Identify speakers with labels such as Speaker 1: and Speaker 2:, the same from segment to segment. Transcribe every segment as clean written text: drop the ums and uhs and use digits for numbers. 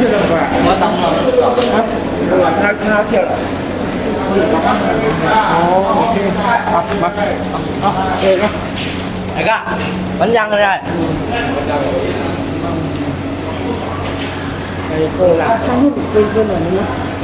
Speaker 1: ว่าต้องรอ
Speaker 2: ครับน่าเที่ยวอ๋อโอเคมาเองนะ
Speaker 1: ไอ้ก็มันยังเลยได้
Speaker 2: ไอ้โก้ละทั้งนี้เป็นเหมือนนี้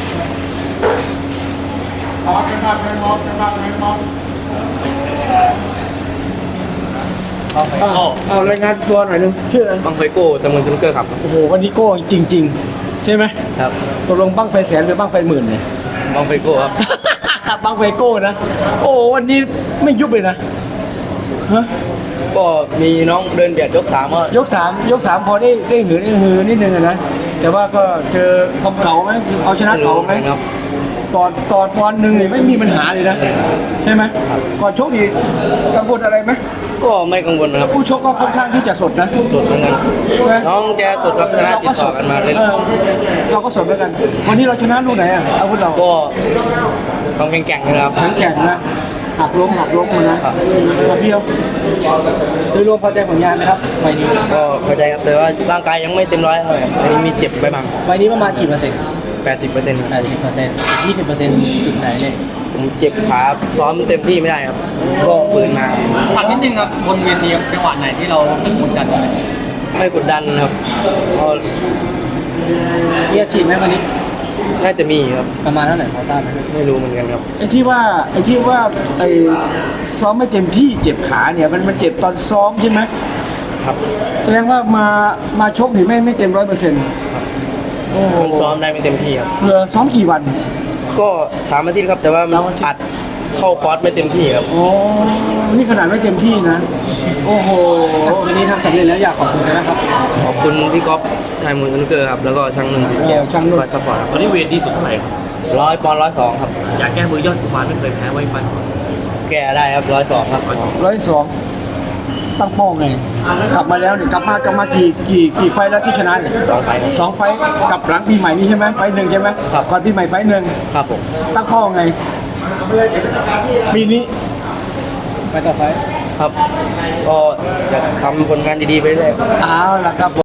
Speaker 2: เอารายงานตัวหน่อยนึงชื่ออะไร
Speaker 1: บังไฟโก้จำนวนสนุกเกอร์ครับ
Speaker 2: โอ้โหวันนี้โก้จริงๆใช่ไหม
Speaker 1: ครับ
Speaker 2: ตกลงบั้งไฟแสนหรือบั้งไฟหมื่นเนี่ย
Speaker 1: บังไฟโก้ครับ
Speaker 2: บั้งไฟโก้นะโอ้วันนี้ไม่ยุบเลยนะฮะ
Speaker 1: ก็มีน้องเดินเบียดยกสามก็
Speaker 2: ยกสามพอได้หือนิดนึงอะนะแต่ว่าก็เจอความเก่าไหมเอาชนะเก่าไหม
Speaker 1: ครับ
Speaker 2: ตอนปอนด์หนึ่งนี่ไม่มีปัญหาเลยนะใช่ไหมก่อนชกดีกังวลอะไรไหม
Speaker 1: ก็ไม่กังวลนะครับ
Speaker 2: ผู้ชกก็ค่อนข้างที่จะสดนะ
Speaker 1: สดเหมือนกันน้องแกสดครับชนะติดต่อกันมาเลย
Speaker 2: เราก็สดเหมือนกันวันนี้เราชนะลูกไหนอ่ะอาวุธเรา
Speaker 1: ก็ต้องแข็งๆนะครับ
Speaker 2: แข็งนะหักล้มมานะเพียวโดยรวมพอใจผลงานไหมครับไฟนี้
Speaker 1: ก็พอใจครับแต่ว่าร่างกายยังไม่เต็มร้อยเลยมีเจ็บไปบ้าง
Speaker 2: ไฟนี้ประมาณกี่เปอร์เซ็นต์
Speaker 1: 80%
Speaker 2: 20%จุดไหนเนี่ย
Speaker 1: ผมเจ็บขาซ้อมเต็มที่ไม่ได้ครับก็ฝืนมา
Speaker 3: ถามนิดนึงครับบนเวทีจังหวะไหนที่เราสึกกดดัน
Speaker 1: ไม่กดดันครับเพราะ
Speaker 2: มีอาชีพไหมวันนี้
Speaker 1: น่าจะมีครับ
Speaker 2: ประมาณเท่าไหร่พอทราบไหม
Speaker 1: ไม่รู้เหมือนกันครับ
Speaker 2: ไอ้ที่ว่าซ้อมไม่เต็มที่เจ็บขาเนี่ยมันเจ็บตอนซ้อมใช่ไหม
Speaker 1: ครับ
Speaker 2: แสดงว่ามาชกนี่ไม่เต็ม100%
Speaker 1: ผมซ้อมได้ไม่เต็มที่ครับ
Speaker 2: ซ้อมกี่วัน
Speaker 1: ก็3 อาทิตย์ครับแต่ว่ามันอัดเข้าคอร์สไม่เต็มที่ครับ
Speaker 2: โอ้นี่ขนาดไม่เต็มที่นะโอ้โหวันนี้ทำสำเร็จแล้วอยากขอบคุณนะครับ
Speaker 1: ขอบคุณพี่ก๊อฟชายมูลสนุกเกอร์ครับแล้วก็ช่างนุ่นสีแก้วคอยซัพพอร์ตครับ
Speaker 3: วันนี้เวทดีสุดเท่าไหร่ครับ
Speaker 1: 100 ปอนด์102ครับ
Speaker 3: อยากแก้มือยอดกุมารไม่เคยแพ้ไว้ฟัน
Speaker 1: แก้ได้ครับ102ครับ
Speaker 2: 102ตั้งเป้าไงกลับมาแล้วเนี่ยกลับมากี่ไฟแล้วที่ชนะเนี่ย
Speaker 1: 2 ไฟ
Speaker 2: 2 ไฟกับหลังปีใหม่นี้ใช่ไหมไฟหนึ่งใช่ไหมก่อนปีใหม่ไฟหนึ่ง
Speaker 1: ครับผม
Speaker 2: ตั้งเป้าไงปีนี้ไฟต่อไฟ
Speaker 1: ครับก็จะทำผลงานดีๆไปเรื่อย
Speaker 2: เอาล่ะครับ